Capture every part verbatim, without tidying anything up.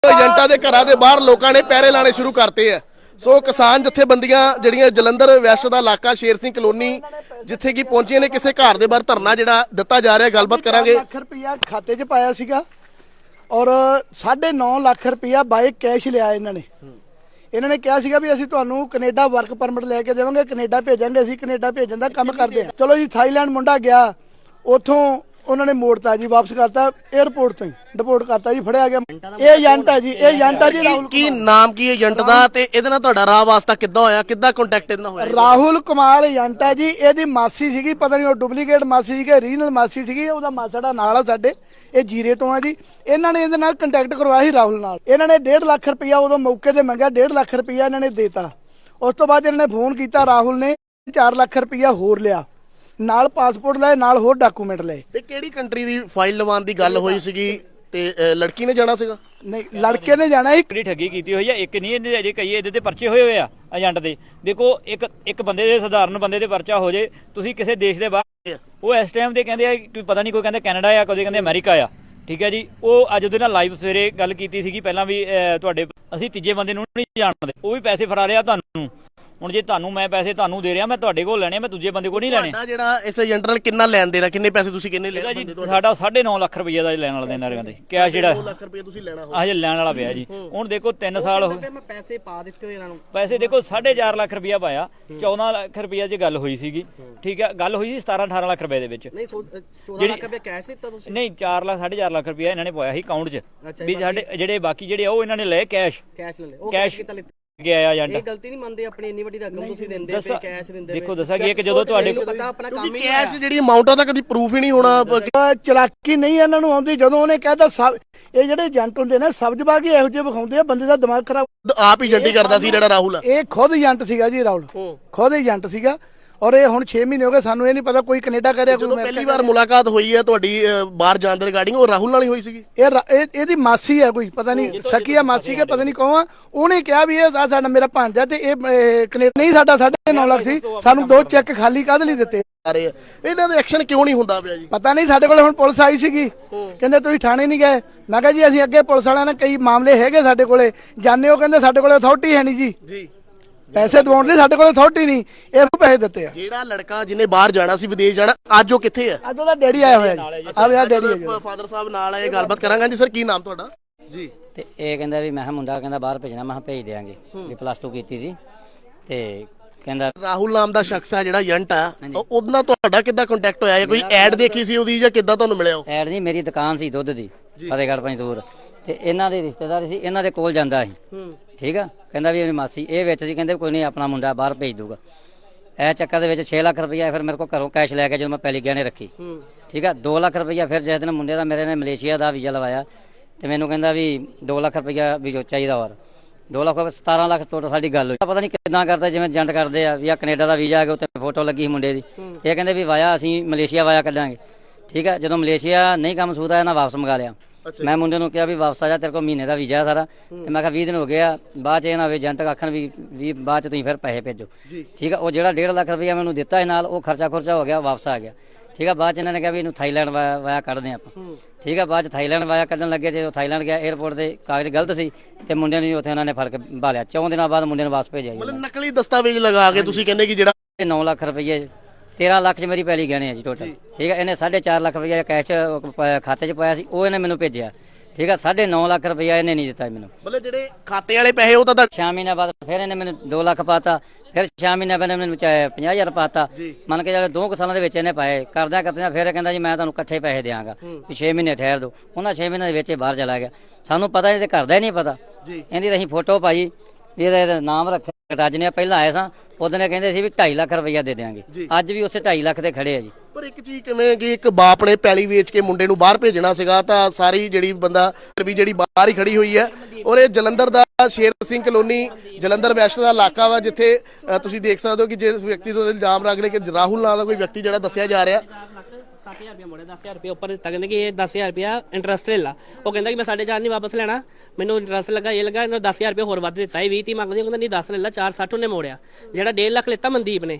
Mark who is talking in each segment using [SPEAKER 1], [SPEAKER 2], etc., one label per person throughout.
[SPEAKER 1] ਏਜੰਟਾਂ ਦੇ ਘਰਾਂ ਦੇ ਬਾਹਰ ਲੋਕਾਂ ਨੇ ਪਹਿਰੇ ਲਾਣੇ ਸ਼ੁਰੂ ਕਰਤੇ ਆ। ਸੋ ਕਿਸਾਨ ਜਥੇਬੰਦੀਆਂ ਜਿਹੜੀਆਂ ਜਲੰਧਰ ਵੈਸਟ ਦਾ ਇਲਾਕਾ ਸ਼ੇਰ ਸਿੰਘ ਕਲੋਨੀ ਜਿੱਥੇ ਕਿ ਪਹੁੰਚੀਆਂ ਨੇ, ਕਿਸੇ ਘਰ ਦੇ ਬਾਹਰ ਧਰਨਾ ਜਿਹੜਾ ਦਿੱਤਾ ਜਾ ਰਿਹਾ, ਗੱਲਬਾਤ ਕਰਾਂਗੇ।
[SPEAKER 2] ਲੱਖ ਰੁਪਇਆ ਖਾਤੇ 'ਚ ਪਾਇਆ ਸੀਗਾ ਔਰ ਸਾਢੇ ਨੌ ਲੱਖ ਰੁਪਇਆ ਬਾਈ ਕੈਸ਼ ਲਿਆ ਇਹਨਾਂ ਨੇ। ਇਹਨਾਂ ਨੇ ਕਿਹਾ ਸੀਗਾ ਵੀ ਅਸੀਂ ਤੁਹਾਨੂੰ ਕੈਨੇਡਾ ਵਰਕ ਪਰਮਿਟ ਲੈ ਕੇ ਦੇਵਾਂਗੇ, ਕੈਨੇਡਾ ਭੇਜਾਂਗੇ, ਅਸੀਂ ਕੈਨੇਡਾ ਭੇਜਣ ਦਾ ਕੰਮ ਕਰਦੇ ਹਾਂ। ਚਲੋ ਜੀ, ਥਾਈਲੈਂਡ ਮੁੰਡਾ ਗਿਆ, ਉੱਥੋਂ ਉਹਨਾਂ ਨੇ ਮੋੜਤਾ ਜੀ, ਵਾਪਸ ਕਰਤਾ 에ਅਰਪੋਰਟ ਤੋਂ ਹੀ ਡਿਪੋਰਟ ਕਰਤਾ ਜੀ, ਫੜਿਆ ਗਿਆ। ਇਹ ਏਜੰਟ ਹੈ ਜੀ, ਇਹ ਏਜੰਟ ਹੈ ਜੀ ਰਾਹੁਲ।
[SPEAKER 1] ਕੀ ਨਾਮ ਕੀ ਏਜੰਟ ਦਾ ਤੇ ਇਹਦੇ ਨਾਲ ਤੁਹਾਡਾ ਰਾਹ ਵਾਸਤਾ ਕਿੱਦਾਂ ਹੋਇਆ, ਕਿੱਦਾਂ ਕੰਟੈਕਟ ਇਹਦੇ ਨਾਲ ਹੋਇਆ?
[SPEAKER 2] ਰਾਹੁਲ ਕੁਮਾਰ ਏਜੰਟ ਹੈ ਜੀ। ਇਹਦੀ ਮਾਸੀ ਸੀਗੀ, ਪਤਾ ਨਹੀਂ ਉਹ ਡੁਪਲੀਕੇਟ ਮਾਸੀ ਸੀਗੀ ਰੀਜਨਲ ਮਾਸੀ ਸੀਗੀ, ਉਹਦਾ ਮਾਸੜਾ ਨਾਲ ਆ ਸਾਡੇ, ਇਹ ਜੀਰੇ ਤੋਂ ਆ ਜੀ। ਇਹਨਾਂ ਨੇ ਇਹਦੇ ਨਾਲ ਕੰਟੈਕਟ ਕਰਵਾਇਆ ਸੀ ਰਾਹੁਲ ਨਾਲ। ਇਹਨਾਂ ਨੇ ਡੇਢ ਲੱਖ ਰੁਪਇਆ ਉਦੋਂ ਮੌਕੇ ਤੇ ਮੰਗਿਆ, ਡੇਢ ਲੱਖ ਰੁਪਇਆ ਇਹਨਾਂ ਨੇ ਦੇਤਾ। ਉਸ ਤੋਂ ਬਾਅਦ ਇਹਨਾਂ ਨੇ ਫੋਨ ਕੀਤਾ, ਰਾਹੁਲ ਨੇ ਚਾਰ ਲੱਖ ਰੁਪਇਆ ਹੋਰ ਲਿਆ, ਨਾਲ ਪਾਸਪੋਰਟ ਲਏ, ਨਾਲ ਹੋਰ ਡਾਕੂਮੈਂਟ ਲਏ।
[SPEAKER 1] ਤੇ ਕਿਹੜੀ ਕੰਟਰੀ ਦੀ ਫਾਈਲ ਲਵਾਉਣ ਦੀ ਗੱਲ ਹੋਈ ਸੀਗੀ ਤੇ ਲੜਕੀ ਨੇ ਜਾਣਾ ਸੀਗਾ?
[SPEAKER 2] ਨਹੀਂ, ਲੜਕੇ ਨੇ ਜਾਣਾ ਸੀ।
[SPEAKER 3] ਕਿਹੜੀ ਠੱਗੀ ਕੀਤੀ ਹੋਈ ਆ, ਇੱਕ ਨਹੀਂ ਇਹਦੇ ਅਜੇ ਕਈ ਇਹਦੇ ਤੇ ਪਰਚੇ ਹੋਏ ਹੋਏ ਆ ਏਜੰਟ ਦੇ। ਦੇਖੋ, ਇੱਕ ਇੱਕ ਬੰਦੇ ਦੇ ਸਧਾਰਨ ਬੰਦੇ ਦੇ ਪਰਚਾ ਹੋ ਜੇ, ਤੁਸੀਂ ਕਿਸੇ ਦੇਸ਼ ਦੇ ਬਾਹਰ, ਉਹ ਇਸ ਟਾਈਮ ਦੇ ਕਹਿੰਦੇ ਆ ਕਿ ਪਤਾ ਨਹੀਂ, ਕੋਈ ਕਹਿੰਦੇ ਕੈਨੇਡਾ ਆ, ਕੋਈ ਕਹਿੰਦੇ ਅਮਰੀਕਾ ਆ, ਠੀਕ ਹੈ ਜੀ। ਉਹ ਅੱਜ ਉਹਦੇ ਨਾਲ ਲਾਈਵ ਸਵੇਰੇ ਗੱਲ ਕੀਤੀ ਸੀਗੀ ਪਹਿਲਾਂ ਵੀ, ਤੁਹਾਡੇ ਅਸੀਂ ਤੀਜੇ ਬੰਦੇ ਨੂੰ ਨਹੀਂ ਜਾਣਦੇ, ਉਹ ਵੀ ਪੈਸੇ ਫੜਾ ਰਿਹਾ ਤੁਹਾਨੂੰ। ਹੁਣ ਜੇ ਤੁਹਾਨੂੰ ਮੈਂ ਪੈਸੇ ਤੁਹਾਨੂੰ ਦੇ ਰਿਹਾ, ਮੈਂ ਤੁਹਾਡੇ ਕੋਲ ਲੈਣੇ, ਮੈਂ ਦੂਜੇ ਬੰਦੇ ਕੋਲ ਨਹੀਂ ਲੈਣੇ।
[SPEAKER 1] ਤੁਹਾਡਾ ਜਿਹੜਾ ਇਸ ਏਜੰਟ ਨਾਲ ਕਿੰਨਾ ਲੈਣ ਦੇਣਾ, ਕਿੰਨੇ ਪੈਸੇ ਤੁਸੀਂ ਕਿੰਨੇ ਲੈਣੇ?
[SPEAKER 3] ਜੀ ਸਾਡਾ ਸਾਢੇ ਨੌ ਲੱਖ ਰੁਪਈਆ ਦਾ ਲੈਣ ਵਾਲਾ ਦੇਣਾ ਕਹਿੰਦੇ ਕੈਸ਼, ਜਿਹੜਾ
[SPEAKER 1] ਦੋ ਲੱਖ ਰੁਪਏ ਤੁਸੀਂ ਲੈਣਾ
[SPEAKER 3] ਹਜੇ ਲੈਣ ਵਾਲਾ ਪਿਆ ਜੀ। ਹੁਣ ਦੇਖੋ ਤਿੰਨ ਸਾਲ ਹੋ ਗਏ,
[SPEAKER 4] ਮੈਂ ਪੈਸੇ ਪਾ ਦਿੱਤੇ ਹੋਏ ਇਹਨਾਂ ਨੂੰ।
[SPEAKER 3] ਪੈਸੇ ਦੇਖੋ ਸਾਢੇ ਚਾਰ ਲੱਖ ਰੁਪਈਆ ਪਾਇਆ, ਚੌਦਾਂ ਲੱਖ ਰੁਪਈਆ 'ਚ ਗੱਲ ਹੋਈ ਸੀਗੀ, ਠੀਕ ਹੈ। ਗੱਲ ਹੋਈ ਸੀ ਸਤਾਰਾਂ ਅਠਾਰਾਂ ਲੱਖ ਰੁਪਏ ਦੇ ਵਿੱਚ।
[SPEAKER 4] ਨਹੀਂ, ਚੌਦਾਂ ਲੱਖ ਰੁਪਏ ਕੈਸ਼ ਦਿੱਤਾ ਤੁਸੀਂ?
[SPEAKER 3] ਨਹੀਂ, ਚਾਰ ਲੱਖ ਸਾਢੇ ਚਾਰ ਲੱਖ ਰੁਪਈਆ ਇਹਨਾਂ ਨੇ ਪਾਇਆ ਸੀ ਅਕਾਊਂਟ 'ਚ ਵੀ ਸਾਡੇ ਜਿਹੜੇ ਬਾਕੀ ਜਿਹੜੇ ਉਹ ਇਹਨਾਂ ਨੇ ਲਏ ਕੈਸ਼।
[SPEAKER 4] ਕੈਸ਼ ਲੈ ਲੈ, ਉਹ
[SPEAKER 3] ਕੈਸ਼
[SPEAKER 4] ਕਿੱਦਾਂ ਲਿੱਤਾ?
[SPEAKER 3] ਗਿਆ ਏਜੰਟ।
[SPEAKER 4] ਇਹ ਗਲਤੀ ਨਹੀਂ ਮੰਨਦੇ ਆਪਣੀ, ਇੰਨੀ ਵੱਡੀ ਰਕਮ ਤੁਸੀਂ ਦਿੰਦੇ ਪਏ, ਕੈਸ਼ ਦਿੰਦੇ ਪਏ।
[SPEAKER 3] ਦੇਖੋ ਦੱਸਾਂ ਕਿ ਕਿ ਜਦੋਂ ਤੁਹਾਡੇ
[SPEAKER 4] ਪਤਾ ਆਪਣਾ ਕੰਮ ਹੀ
[SPEAKER 1] ਕੈਸ਼ ਜਿਹੜੀ ਅਮਾਉਂਟ ਆ ਤਾਂ ਕਦੀ ਪ੍ਰੂਫ ਹੀ ਨਹੀਂ ਹੋਣਾ।
[SPEAKER 2] ਚਲਾਕੀ ਨਹੀਂ ਇਹਨਾਂ ਨੂੰ ਆਉਂਦੀ। ਜਦੋਂ ਉਹਨੇ ਕਹਿਤਾ ਸਭ, ਇਹ ਜਿਹੜੇ ਏਜੰਟ ਹੁੰਦੇ ਨੇ ਸਬਜ਼ਬਾਗੀ ਇਹੋ ਜਿਹੇ ਵਿਖਾਉਂਦੇ ਆ, ਬੰਦੇ ਦਾ ਦਿਮਾਗ ਖਰਾਬ।
[SPEAKER 1] ਆਪ ਹੀ ਏਜੰਟੀ ਕਰਦਾ ਸੀ ਜਿਹੜਾ ਰਾਹੁਲ ਆ।
[SPEAKER 2] ਇਹ ਖੁਦ ਏਜੰਟ ਸੀਗਾ ਜੀ ਰਾਹੁਲ, ਖੁਦ ਏਜੰਟ ਸੀਗਾ। ਔਰ ਇਹ ਹੁਣ ਛੇ ਮਹੀਨੇ ਹੋ ਗਏ, ਸਾਨੂੰ ਇਹ ਨਹੀਂ ਪਤਾ ਕੋਈ ਕੈਨੇਡਾ ਕਰਿਆ, ਕੋਈ ਅਮਰੀਕਾ।
[SPEAKER 1] ਪਹਿਲੀ ਵਾਰ ਮੁਲਾਕਾਤ ਹੋਈ ਹੈ ਤੁਹਾਡੀ ਬਾਹਰ ਜਾਣ ਦੇ ਰਿਗਾਰਡਿੰਗ, ਉਹ ਰਾਹੁਲ ਨਾਲ ਹੀ ਹੋਈ ਸੀਗੀ?
[SPEAKER 2] ਇਹ ਇਹਦੀ ਮਾਸੀ ਹੈ, ਕੋਈ ਪਤਾ ਨਹੀਂ ਸ਼ੱਕੀ ਆ ਮਾਸੀ ਕੇ ਪਤਾ ਨਹੀਂ ਕੌਣ ਆ। ਉਹਨੇ ਕਿਹਾ ਵੀ ਇਹ ਸਾਡਾ ਮੇਰਾ ਭਾਂਜਾ ਤੇ ਇਹ ਕੈਨੇਡਾ ਨਹੀਂ, ਸਾਡਾ ਸਾਢੇ ਨੌ ਲੱਖ ਸੀ, ਸਾਨੂੰ ਦੋ ਚੈੱਕ ਖਾਲੀ ਕਾਹਦੇ ਲਈ ਦਿੱਤੇ?
[SPEAKER 1] ਇਹਨਾਂ ਦਾ ਐਕਸ਼ਨ ਕਿਉਂ ਨਹੀਂ ਹੁੰਦਾ ਪਿਆ ਜੀ?
[SPEAKER 2] ਪਤਾ ਨਹੀਂ। ਸਾਡੇ ਕੋਲ ਹੁਣ ਪੁਲਿਸ ਆਈ ਸੀਗੀ, ਕਹਿੰਦੇ ਤੁਸੀਂ ਥਾਣੇ ਨਹੀਂ ਗਏ। ਮੈਂ ਕਿਹਾ ਜੀ ਅਸੀਂ ਅੱਗੇ ਪੁਲਿਸ ਵਾਲਿਆਂ ਨੇ ਕਈ ਮਾਮਲੇ ਹੈਗੇ ਸਾਡੇ ਕੋਲੇ ਜਾਣੇ, ਉਹ ਕਹਿੰਦੇ ਸਾਡੇ ਕੋਲੇ ਅਥਾਰਟੀ ਹੈ ਨਹੀਂ ਜੀ ਜੀ ਪੈਸੇ ਦਵਾਉਣ ਲਈ, ਸਾਡੇ ਕੋਲ ਅਥਾਰਟੀ ਨਹੀਂ, ਇਹ ਪੈਸੇ ਦਿੱਤੇ ਆ।
[SPEAKER 1] ਜਿਹੜਾ ਲੜਕਾ ਜਿਹਨੇ ਬਾਹਰ ਜਾਣਾ ਸੀ, ਵਿਦੇਸ਼ ਜਾਣਾ, ਅੱਜ ਉਹ ਕਿੱਥੇ ਹੈ?
[SPEAKER 2] ਅੱਜ ਉਹਦਾ ਡੈਡੀ ਆਇਆ ਹੋਇਆ ਜੀ, ਆ ਵਿਆਹ ਡੈਡੀ ਹੈ।
[SPEAKER 1] ਫਾਦਰ ਸਾਹਿਬ ਨਾਲ ਆਏ, ਗੱਲਬਾਤ ਕਰਾਂਗੇ ਜੀ। ਸਰ ਕੀ ਨਾਮ ਤੁਹਾਡਾ ਜੀ?
[SPEAKER 5] ਤੇ ਇਹ ਕਹਿੰਦਾ ਵੀ ਮੈਂ ਮੁੰਡਾ ਕਹਿੰਦਾ ਬਾਹਰ ਭੇਜਣਾ, ਮੈਂ ਭੇਜ ਦਿਆਂਗੇ ਵੀ ਪਲੱਸ ਟੂ ਕੀਤੀ ਸੀ। ਤੇ ਕਹਿੰਦਾ
[SPEAKER 1] ਰਾਹੁਲ ਨਾਮ ਦਾ ਸ਼ਖਸ ਹੈ ਜਿਹੜਾ ਏਜੰਟ ਆ, ਉਹਦੇ ਨਾਲ ਤੁਹਾਡਾ ਕਿੱਦਾਂ ਕੰਟੈਕਟ ਹੋਇਆ? ਕੋਈ ਐਡ ਦੇਖੀ ਸੀ ਉਹਦੀ ਜਾਂ ਕਿੱਦਾਂ ਤੁਹਾਨੂੰ ਮਿਲਿਆ ਉਹ?
[SPEAKER 5] ਐਡ ਨਹੀਂ, ਮੇਰੀ ਦੁਕਾਨ ਸੀ ਦੁੱਧ ਦੀ ਫਤਿਹਗੜ੍ਹ ਪੰਜ ਦੂਰ, ਤੇ ਇਹਨਾਂ ਦੇ ਰਿਸ਼ਤੇਦਾਰ ਸੀ, ਇਹਨਾਂ ਦੇ ਕੋਲ ਜਾਂਦਾ ਸੀ, ਠੀਕ ਆ। ਕਹਿੰਦਾ ਵੀ ਮੇਰੀ ਮਾਸੀ ਇਹ ਵਿੱਚ ਸੀ, ਕਹਿੰਦੇ ਕੋਈ ਨਹੀਂ ਆਪਣਾ ਮੁੰਡਾ ਬਾਹਰ ਭੇਜ ਦੂਗਾ। ਇਹ ਚੱਕਰ ਦੇ ਵਿੱਚ ਛੇ ਲੱਖ ਰੁਪਈਆ ਫਿਰ ਮੇਰੇ ਕੋਲ ਘਰੋਂ ਕੈਸ਼ ਲੈ ਕੇ ਜਦੋਂ ਮੈਂ ਪਹਿਲੀ ਗਹਿਣੇ ਰੱਖੀ, ਠੀਕ ਆ। ਦੋ ਲੱਖ ਰੁਪਈਆ ਫਿਰ ਜਿਸ ਦਿਨ ਮੁੰਡੇ ਦਾ ਮੇਰੇ ਨੇ ਮਲੇਸ਼ੀਆ ਦਾ ਵੀਜ਼ਾ ਲਵਾਇਆ, ਤੇ ਮੈਨੂੰ ਕਹਿੰਦਾ ਵੀ ਦੋ ਲੱਖ ਰੁਪਈਆ ਵੀ ਜੋ ਚਾਹੀਦਾ, ਹੋਰ ਦੋ ਲੱਖ ਸਤਾਰਾਂ ਲੱਖ ਟੋਟਲ ਸਾਡੀ ਗੱਲ ਹੋਈ। ਪਤਾ ਨਹੀਂ ਕਿੱਦਾਂ ਕਰਦਾ, ਜਿਵੇਂ ਏਜੰਟ ਕਰਦੇ ਆ ਵੀ ਆ ਕੈਨੇਡਾ ਦਾ ਵੀਜ਼ਾ ਆ ਗਿਆ, ਉੱਤੇ ਫੋਟੋ ਲੱਗੀ ਸੀ ਮੁੰਡੇ ਦੀ। ਇਹ ਕਹਿੰਦੇ ਵੀ ਵਾਇਆ ਅਸੀਂ ਮਲੇਸ਼ੀਆ ਵਾਇਆ ਕੱਢਾਂਗੇ, ਠੀਕ ਆ। ਜਦੋਂ ਮਲੇਸ਼ੀਆ ਨਹੀਂ ਕੰਮ ਸੂਦ ਆਇਆ, ਨਾ ਵਾਪਸ ਮੰਗਾ ਲਿਆ। ਮੈਂ ਮੁੰਡੇ ਨੂੰ ਕਿਹਾ ਵੀ ਵਾਪਸ ਆ ਜਾ, ਤੇਰੇ ਕੋਲ ਮਹੀਨੇ ਦਾ ਵੀਜ਼ਾ ਸਾਰਾ। ਤੇ ਮੈਂ ਕਿਹਾ ਵੀਹ ਦਿਨ ਹੋ ਗਏ ਆ, ਬਾਅਦ ਚ ਇਹ ਨਾ ਹੋਵੇ ਏਜੰਟ ਆਖਣ ਵੀ ਵੀ ਬਾਅਦ ਚ ਤੁਸੀਂ ਫਿਰ ਪੈਸੇ ਭੇਜੋ, ਠੀਕ ਆ। ਉਹ ਜਿਹੜਾ ਡੇਢ ਲੱਖ ਰੁਪਈਆ ਮੈਨੂੰ ਦਿੱਤਾ ਸੀ ਨਾਲ, ਉਹ ਖਰਚਾ ਖੁਰਚਾ ਹੋ ਗਿਆ, ਵਾਪਸ ਆ ਗਿਆ, ਠੀਕ ਆ। ਬਾਅਦ ਚ ਇਹਨਾਂ ਨੇ ਕਿਹਾ ਵੀ ਇਹਨੂੰ ਥਾਈਲੈਂਡ ਵਾਇਆ ਵਾਇਆ ਕੱਢਦੇ ਆਪਾਂ, ਠੀਕ ਆ। ਬਾਅਦ ਚ ਥਾਈਲੈਂਡ ਵਾਇਆ ਕੱਢਣ ਲੱਗੇ, ਜੇ ਉਹ ਥਾਈਲੈਂਡ ਗਿਆ, 에ਅਰਪੋਰਟ ਦੇ ਕਾਗਜ਼ ਗਲਤ ਸੀ, ਤੇ ਮੁੰਡੇ ਨੂੰ ਉੱਥੇ ਉਹਨਾਂ ਨੇ ਫੜ ਕੇ ਭਾਲਿਆ। ਚੌਂ ਦਿਨਾਂ ਬਾਅਦ ਮੁੰਡੇ ਨੂੰ ਵਾਪਸ ਭੇਜਿਆ।
[SPEAKER 1] ਮਤਲਬ ਨਕਲੀ ਦਸਤਾਵੇਜ਼ ਲਗਾ ਕੇ ਤੁਸੀਂ ਕਹਿੰਦੇ ਕਿ ਜਿਹੜਾ
[SPEAKER 5] ਨੌ ਲੱਖ ਰੁਪਈਏ ਤੇਰਾਂ ਲੱਖ ਚ ਮੇਰੀ ਪੈਲੀ ਗਹਿਣੇ ਆ ਜੀ ਟੋਟਲ, ਠੀਕ ਆ। ਇਹਨੇ ਸਾਢੇ ਚਾਰ ਲੱਖ ਰੁਪਈਆ ਕੈਸ਼ ਖਾਤੇ ਚ ਪਾਇਆ ਸੀ, ਉਹ ਇਹਨੇ ਮੈਨੂੰ ਭੇਜਿਆ, ਠੀਕ ਆ। ਸਾਢੇ ਨੌ ਲੱਖ ਰੁਪਈਆ ਇਹਨੇ ਨਹੀਂ ਦਿੱਤਾ ਮੈਨੂੰ।
[SPEAKER 1] ਮਤਲਬ ਜਿਹੜੇ ਖਾਤੇ ਵਾਲੇ ਪੈਸੇ ਉਹ ਤਾਂ
[SPEAKER 5] ਛੇ ਮਹੀਨੇ ਬਾਅਦ ਫਿਰ ਇਹਨੇ ਮੈਨੂੰ ਦੋ ਲੱਖ ਪਾਤਾ, ਫਿਰ ਛੇ ਮਹੀਨੇ ਬਾਅਦ ਮੈਨੂੰ ਪੰਜਾਹ ਹਜ਼ਾਰ ਪਾਤਾ। ਮੰਨ ਕੇ ਚੱਲ ਦੋ ਕੁ ਸਾਲਾਂ ਦੇ ਵਿੱਚ ਇਹਨੇ ਪਾਏ, ਕਰਦਿਆਂ ਕਰਦਿਆਂ ਫਿਰ ਕਹਿੰਦਾ ਜੀ ਮੈਂ ਤੁਹਾਨੂੰ ਇਕੱਠੇ ਪੈਸੇ ਦਿਆਂਗਾ ਵੀ ਛੇ ਮਹੀਨੇ ਠਹਿਰ ਦੋ। ਉਹਨਾਂ ਛੇ ਮਹੀਨੇ ਦੇ ਵਿੱਚ ਬਾਹਰ ਚਲਾ ਗਿਆ, ਸਾਨੂੰ ਪਤਾ ਨਹੀਂ, ਤੇ ਘਰ ਦਾ ਹੀ ਨਹੀਂ ਪਤਾ। ਇਹਦੀ ਤਾਂ ਅਸੀਂ ਫੋਟੋ ਪਾਈ ਵੀ ਇਹਦਾ ਨਾਮ ਰੱਖਿਆ, ਰੱਜ ਨੇ ਪਹਿਲਾਂ ਆਏ ਸਾਂ, ਉਦੋਂ ਕਹਿੰਦੇ ਸੀ ਵੀ ਢਾਈ ਲੱਖ ਰੁਪਈਆ ਦੇ ਦਿਆਂਗੇ, ਅੱਜ ਵੀ ਉਸੇ ਢਾਈ ਲੱਖ ਤੇ ਖੜੇ ਆ ਜੀ।
[SPEAKER 1] ਪਰ ਇੱਕ ਚੀਜ਼ ਕਿਵੇਂ ਕਿ ਇੱਕ ਬਾਪ ਨੇ ਪੈਲੀ ਵੇਚ ਕੇ ਮੁੰਡੇ ਨੂੰ ਬਾਹਰ ਭੇਜਣਾ ਸੀਗਾ, ਤਾਂ ਸਾਰੀ ਜਿਹੜੀ ਬੰਦਾ ਵੀ ਜਿਹੜੀ ਬਾਹਰ ਹੀ ਖੜੀ ਹੋਈ ਹੈ। ਔਰ ਇਹ ਜਲੰਧਰ ਦਾ ਸ਼ੇਰ ਸਿੰਘ ਕਲੋਨੀ ਜਲੰਧਰ ਵੈਸਟ ਦਾ ਇਲਾਕਾ ਵਾ, ਜਿੱਥੇ ਤੁਸੀਂ ਦੇਖ ਸਕਦੇ ਹੋ ਕਿ ਜਿਸ ਵਿਅਕਤੀ ਤੋਂ ਇਲਜ਼ਾਮ ਲੱਗ ਰਿਹਾ ਕਿ ਰਾਹੁਲ ਨਾਂ ਦਾ ਕੋਈ ਵਿਅਕਤੀ ਜਿਹੜਾ ਦੱਸਿਆ ਜਾ ਰਿਹਾ,
[SPEAKER 6] ਸੱਠ ਹਜ਼ਾਰ ਰੁਪਇਆ ਮੋੜਿਆ, ਦਸ ਹਜ਼ਾਰ ਰੁਪਇਆ ਉੱਪਰ ਦਿੱਤਾ, ਕਹਿੰਦੇ ਕਿ ਇਹ ਦਸ ਹਜ਼ਾਰ ਰੁਪਇਆ ਇੰਟਰਸਟ ਲੈ ਲਾ। ਉਹ ਕਹਿੰਦਾ ਕਿ ਮੈਂ ਸਾਢੇ ਚਾਰ ਨਹੀਂ ਵਾਪਸ ਲੈਣਾ, ਮੈਨੂੰ ਇੰਟਰਸਟ ਲੱਗਾ, ਇਹ ਲੱਗਾ, ਇਹਨੂੰ ਦਸ ਹਜ਼ਾਰ ਰੁਪਇਆ ਹੋਰ ਵੱਧ ਦਿੱਤਾ। ਇਹ ਵੀਹ ਤੀਹ ਮੰਗਦੀ, ਉਹ ਕਹਿੰਦਾ ਨਹੀਂ ਦਸ ਲੈ ਲਾ, ਚਾਰ ਸੱਠ ਉਹਨੇ ਮੋੜਿਆ। ਜਿਹੜਾ ਡੇਢ ਲੱਖ ਲਿੱਤਾ ਮਨਦੀਪ ਨੇ,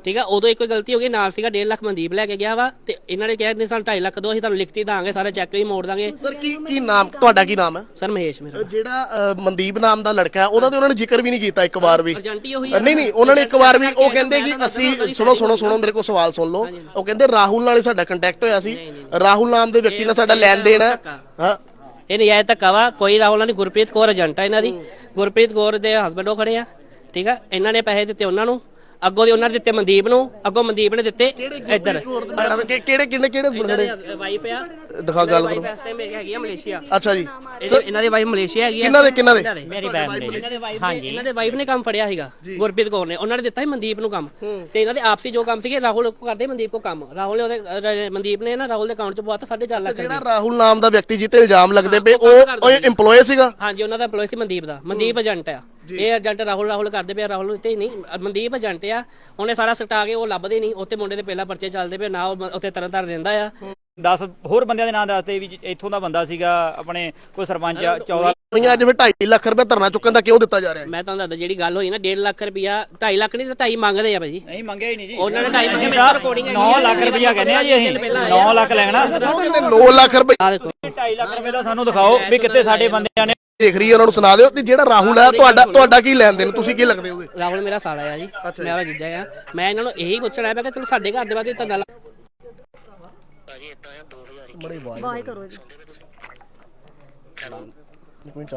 [SPEAKER 6] ਠੀਕ ਆ। ਉਦੋਂ ਇੱਕ ਗਲਤੀ ਹੋ ਗਈ, ਨਾਲ ਸੀਗਾ ਡੇਢ ਲੱਖ ਮਨਦੀਪ ਲੈ ਕੇ ਗਿਆ ਵਾ, ਤੇ ਇਹਨਾਂ ਨੇ ਕਿਹਾ ਨਹੀਂ ਸਾਨੂੰ ਢਾਈ ਲੱਖ ਦਿਓ, ਅਸੀਂ ਤੁਹਾਨੂੰ ਲਿਖਤੀ ਦਾਂਗੇ, ਸਾਰੇ ਚੈੱਕ ਵੀ ਮੋੜ ਦਾਂਗੇ।
[SPEAKER 1] ਸਰ ਕੀ ਕੀ ਨਾਮ ਤੁਹਾਡਾ ਕੀ ਨਾਮ ਹੈ?
[SPEAKER 6] ਸਰ ਮਹੇਸ਼ ਮੇਰਾ
[SPEAKER 1] ਜਿਹੜਾ ਅ, ਮਨਦੀਪ ਨਾਮ ਦਾ ਲੜਕਾ ਹੈ ਉਹਦਾ ਤੇ ਉਹਨਾਂ ਨੇ ਜ਼ਿਕਰ ਵੀ ਨਹੀਂ ਕੀਤਾ ਇੱਕ ਵਾਰ ਵੀ।
[SPEAKER 6] ਏਜੰਟੀ ਉਹੀ
[SPEAKER 1] ਅ, ਨਹੀਂ ਨਹੀਂ ਉਹਨਾਂ ਨੇ ਇੱਕ ਵਾਰ ਵੀ, ਉਹ ਕਹਿੰਦੇ ਕਿ ਅਸੀਂ ਸੁਣੋ ਸੁਣੋ ਸੁਣੋ ਮੇਰੇ ਕੋਲ ਸਵਾਲ ਸੁਣ ਲਓ। ਉਹ ਕਹਿੰਦੇ ਰਾਹੁਲ ਨਾਲ ਹੀ ਸਾਡਾ ਕੰਟੈਕਟ ਹੋਇਆ ਸੀ, ਰਾਹੁਲ ਨਾਮ ਦੇ ਵਿਅਕਤੀ ਨਾਲ ਸਾਡਾ ਲੈਣ ਦੇਣ ਹੈ। ਹਾਂ
[SPEAKER 6] ਇਹ ਨਜਾਇਜ਼ ਧੱਕਾ ਵਾ, ਕੋਈ ਰਾਹੁਲ ਨਾਲ ਨਹੀਂ। ਗੁਰਪ੍ਰੀਤ ਕੌਰ ਏਜੰਟ ਆ ਇਹਨਾਂ ਦੀ, ਗੁਰਪ੍ਰੀਤ ਕੌਰ ਦੇ ਹਸਬੰਡ ਉਹ ਖੜੇ ਆ, ਠੀਕ ਆ। ਇਹਨਾਂ ਨੇ ਪੈਸੇ ਦਿੱਤੇ ਉਹਨਾਂ ਨੂੰ, ਅੱਗੋਂ ਦੇ ਉਹਨਾਂ ਨੇ ਦਿੱਤੇ ਮਨਦੀਪ ਨੂੰ, ਅੱਗੋਂ ਮਨਦੀਪ ਨੇ ਦਿੱਤੇ ਇੱਧਰ।
[SPEAKER 1] ਕਿ- ਕਿਹੜੇ ਕਿੰਨੇ ਕਿਹੜੇ ਖੜੇ
[SPEAKER 6] ਵਾਈਫ ਆ,
[SPEAKER 1] ਦਿਖਾ ਗੱਲ ਕਰੋ।
[SPEAKER 6] ਵਾਈਫ ਇਸ ਟਾਈਮ ਹੈਗੀ ਆ ਮਲੇਸ਼ੀਆ।
[SPEAKER 1] ਅੱਛਾ ਜੀ,
[SPEAKER 6] ਇਹਦੇ- ਇਹਨਾਂ ਦੀ ਵਾਈਫ ਮਲੇਸ਼ੀਆ ਹੈਗੀ ਆ।
[SPEAKER 1] ਕਿਹਨਾਂ ਦੇ ਕਿਹਨਾਂ ਦੇ?
[SPEAKER 3] ਮੇਰੀ ਵਾਈਫ ਨੇ
[SPEAKER 6] ਇਹਨਾਂ ਦੇ ਵਾਈਫ ਨੇ ਇਹਨਾਂ ਦੇ ਵਾਈਫ ਨੇ ਕੰਮ ਫੜਿਆ ਸੀਗਾ, ਗੁਰਪ੍ਰੀਤ ਕੌਰ ਨੇ। ਉਹਨਾਂ ਨੇ ਦਿੱਤਾ ਸੀ ਮਨਦੀਪ ਨੂੰ ਕੰਮ, ਤੇ ਇਹਨਾਂ ਦੇ ਆਪਸੀ ਜੋ ਕੰਮ ਸੀਗੇ ਰਾਹੁਲ ਕੋ ਕਰਦੇ, ਮਨਦੀਪ ਕੋ ਕੰਮ। ਰਾਹੁਲ ਨੇ ਉਹਦੇ ਮਨਦੀਪ ਨੇ ਨਾ ਰਾਹੁਲ ਦੇ ਅਕਾਊਂਟ 'ਚ ਬਹੁਤ ਸਾਢੇ ਚਾਰ ਲੱਖ
[SPEAKER 1] ਜਿਹੜਾ ਰਾਹੁਲ ਨਾਮ ਦਾ ਵਿਅਕਤੀ ਜਿੱਤੇ ਇਲਜ਼ਾਮ ਲੱਗਦੇ ਪਏ ਉਹ EMPLOYE ਸੀਗਾ।
[SPEAKER 6] ਹਾਂਜੀ, ਉਹਨਾਂ ਦਾ EMPLOYE ਸੀ ਮਨਦੀਪ ਦਾ। ਮਨਦੀਪ ਏਜੰਟ ਆ, ਇਹ ਏਜੰਟ ਰਾਹੁਲ ਰਾਹੁਲ ਕਰਦੇ ਪਏ, ਰਾਹੁਲ ਉੱਤੇ ਨਹੀਂ, ਮਨਦੀਪ ਏਜੰਟ ਆ। ਉਹਨੇ ਸਾਰਾ ਸਟਾ ਕੇ ਉਹ ਲੱਭਦੇ ਨਹੀਂ, ਉੱਥੇ ਮੁੰਡੇ ਦੇ ਪਹਿਲਾਂ ਪਰਚੇ ਚੱਲਦੇ ਪਏ ਨਾ, ਉਹ ਉੱਥੇ ਤਰ੍ਹਾਂ ਤਰ੍ਹਾਂ ਰਹਿੰਦਾ ਆ।
[SPEAKER 3] ਦਸ ਹੋਰ ਬੰਦਿਆਂ ਦੇ ਨਾਂ ਦੱਸਦੇ ਵੀ ਇੱਥੋਂ ਦਾ ਬੰਦਾ ਸੀਗਾ, ਆਪਣੇ ਕੋਈ ਸਰਪੰਚ ਆ, ਚੌਦਾਂ
[SPEAKER 1] ਅੱਜ ਫਿਰ ਢਾਈ ਲੱਖ ਰੁਪਏ ਧਰਨਾ ਚੁੱਕਣ ਦਾ ਕਿਉਂ ਦਿੱਤਾ ਜਾ ਰਿਹਾ ਹੈ?
[SPEAKER 6] ਮੈਂ ਤੁਹਾਨੂੰ ਦੱਸਦਾ, ਜਿਹੜੀ ਗੱਲ ਹੋਈ ਨਾ ਡੇਢ ਲੱਖ ਰੁਪਇਆ, ਢਾਈ ਲੱਖ ਨਹੀਂ ਤਾਂ ਢਾਈ ਮੰਗਦੇ ਆ ਭਾਜੀ।
[SPEAKER 3] ਨਹੀਂ ਮੰਗਿਆ ਹੀ ਨਹੀਂ ਜੀ,
[SPEAKER 6] ਉਹਨਾਂ ਨੇ ਢਾਈ ਮੰਗੇ, ਮੇਰਾ ਰਿਕਾਰਡਿੰਗ ਹੈ।
[SPEAKER 3] ਨੌ ਲੱਖ ਰੁਪਇਆ ਕਹਿੰਦੇ ਆ ਜੀ ਅਸੀਂ, ਨੌ ਲੱਖ ਲੈਣਾ।
[SPEAKER 1] ਉਹ ਕਹਿੰਦੇ ਨੌ ਲੱਖ ਰੁਪਏ
[SPEAKER 6] ਆ ਦੇਖੋ,
[SPEAKER 3] ਢਾਈ ਲੱਖ ਰੁਪਏ ਦਾ ਸਾਨੂੰ ਦਿਖਾਓ ਵੀ ਕਿੱਥੇ ਸਾਡੇ ਬੰਦਿਆਂ ਨੇ।
[SPEAKER 1] ਦੇਖ ਰਹੀ ਹੈ, ਉਹਨਾਂ ਨੂੰ ਸੁਣਾ ਦਿਓ। ਤੇ ਜਿਹੜਾ ਰਾਹੁਲ ਹੈ ਤੁਹਾਡਾ ਤੁਹਾਡਾ ਕੀ ਲੈਣ ਦੇਣ, ਤੁਸੀਂ ਕੀ ਲੱਗਦੇ ਹੋਗੇ?
[SPEAKER 6] ਰਾਹੁਲ ਮੇਰਾ ਸਾਲਾ ਆ ਜੀ, ਮੇਰਾ ਜੀਜਾ ਆ। ਮੈਂ ਇਹਨਾਂ ਨੂੰ ਇਹੀ ਪੁੱਛਣਾ ਹੈ, ਮੈਂ ਕਿਹਾ ਚਲੋ ਸਾਡੇ ਘਰ ਦੇ ਬਾਅਦ ਤਾਂ ਗੱਲ
[SPEAKER 1] ਬੜੇ ਵਾਹ ਕਰੋ